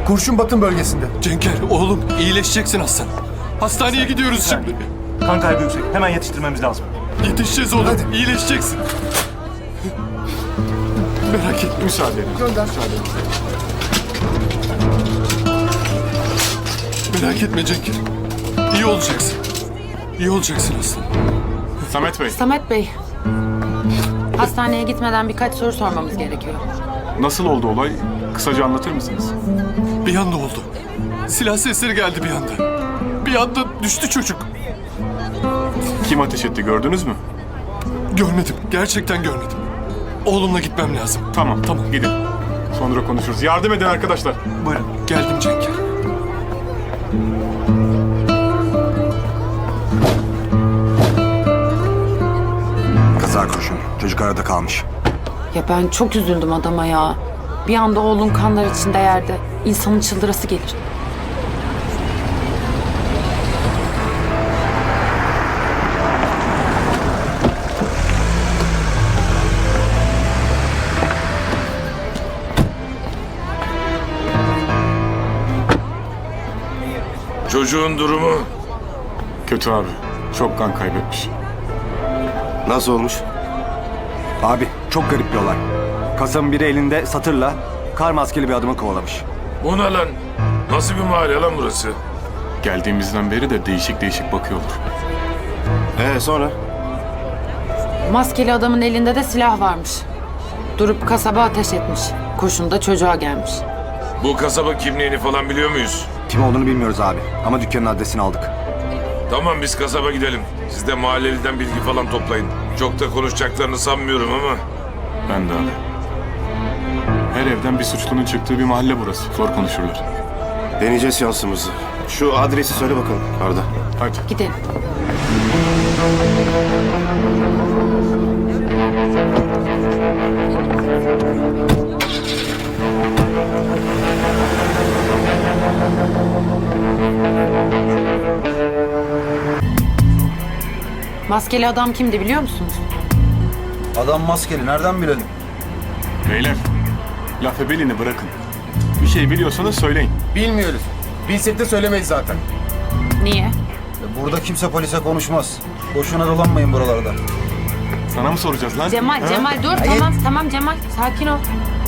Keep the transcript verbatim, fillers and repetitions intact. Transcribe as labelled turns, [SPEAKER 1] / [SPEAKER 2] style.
[SPEAKER 1] Kurşun batın bölgesinde.
[SPEAKER 2] Cenker oğlum iyileşeceksin Aslan. Hastaneye gidiyoruz şimdi.
[SPEAKER 3] Kan kaybı yüksek. Hemen yetiştirmemiz lazım.
[SPEAKER 2] Yetişeceğiz oğlum.
[SPEAKER 1] Hadi.
[SPEAKER 2] İyileşeceksin. Merak etme.
[SPEAKER 4] Müsaade edin.
[SPEAKER 1] Gönder.
[SPEAKER 2] Merak etme Cenker. İyi olacaksın. İyi olacaksın Aslan.
[SPEAKER 4] Samet Bey,
[SPEAKER 5] Samet Bey, hastaneye gitmeden birkaç soru sormamız gerekiyor.
[SPEAKER 4] nasıl oldu olay? Kısaca anlatır mısınız?
[SPEAKER 2] Bir anda oldu. Silah sesleri geldi bir anda. Bir anda düştü çocuk.
[SPEAKER 4] Kim ateş etti gördünüz mü?
[SPEAKER 2] Görmedim. Gerçekten görmedim. Oğlumla gitmem lazım.
[SPEAKER 4] Tamam,
[SPEAKER 2] Tamam.
[SPEAKER 4] gidin. Sonra konuşuruz. Yardım edin arkadaşlar.
[SPEAKER 3] Buyurun.
[SPEAKER 2] Geldim Cenker.
[SPEAKER 6] Kaza kurşun. Çocuk arada kalmış.
[SPEAKER 5] Ya ben çok üzüldüm adama ya. Bir anda oğlun kanlar içinde yerde. İnsanın çıldırası gelir.
[SPEAKER 7] Çocuğun durumu?
[SPEAKER 4] Kötü abi. Çok kan kaybetmiş.
[SPEAKER 6] Nasıl olmuş? Abi çok garip bir olay. Kasabın biri elinde satırla kar maskeli bir adamı kovalamış.
[SPEAKER 7] Bu ne lan? Nasıl bir mahalle lan burası?
[SPEAKER 4] Geldiğimizden beri de değişik değişik bakıyorlar.
[SPEAKER 6] Ee sonra?
[SPEAKER 5] Maskeli adamın elinde de silah varmış. Durup kasaba ateş etmiş. Kurşun da çocuğa gelmiş.
[SPEAKER 7] Bu kasaba kimliğini falan biliyor muyuz?
[SPEAKER 6] Kim olduğunu bilmiyoruz abi. Ama dükkanın adresini aldık.
[SPEAKER 7] Tamam biz kasaba gidelim. Siz de mahalleliden bilgi falan toplayın. Çok da konuşacaklarını sanmıyorum ama.
[SPEAKER 4] Ben de abi. Her evden bir suçlunun çıktığı bir mahalle burası. Zor konuşurlar.
[SPEAKER 6] Deneyeceğiz şansımızı. Şu adresi söyle bakalım Arda.
[SPEAKER 4] Hadi.
[SPEAKER 5] Gidelim. Maskeli adam kimdi biliyor musunuz?
[SPEAKER 8] Adam maskeli, nereden bilelim?
[SPEAKER 4] Beyler, laf ebelini bırakın. Bir şey biliyorsanız söyleyin.
[SPEAKER 1] Bilmiyoruz. Bilsek de söylemeyiz zaten.
[SPEAKER 5] Niye?
[SPEAKER 8] Burada kimse polise konuşmaz. Boşuna dolanmayın buralarda.
[SPEAKER 4] Sana mı soracağız lan?
[SPEAKER 5] Cemal,
[SPEAKER 4] Ha?
[SPEAKER 5] Cemal dur. Tamam, tamam Cemal. Sakin ol.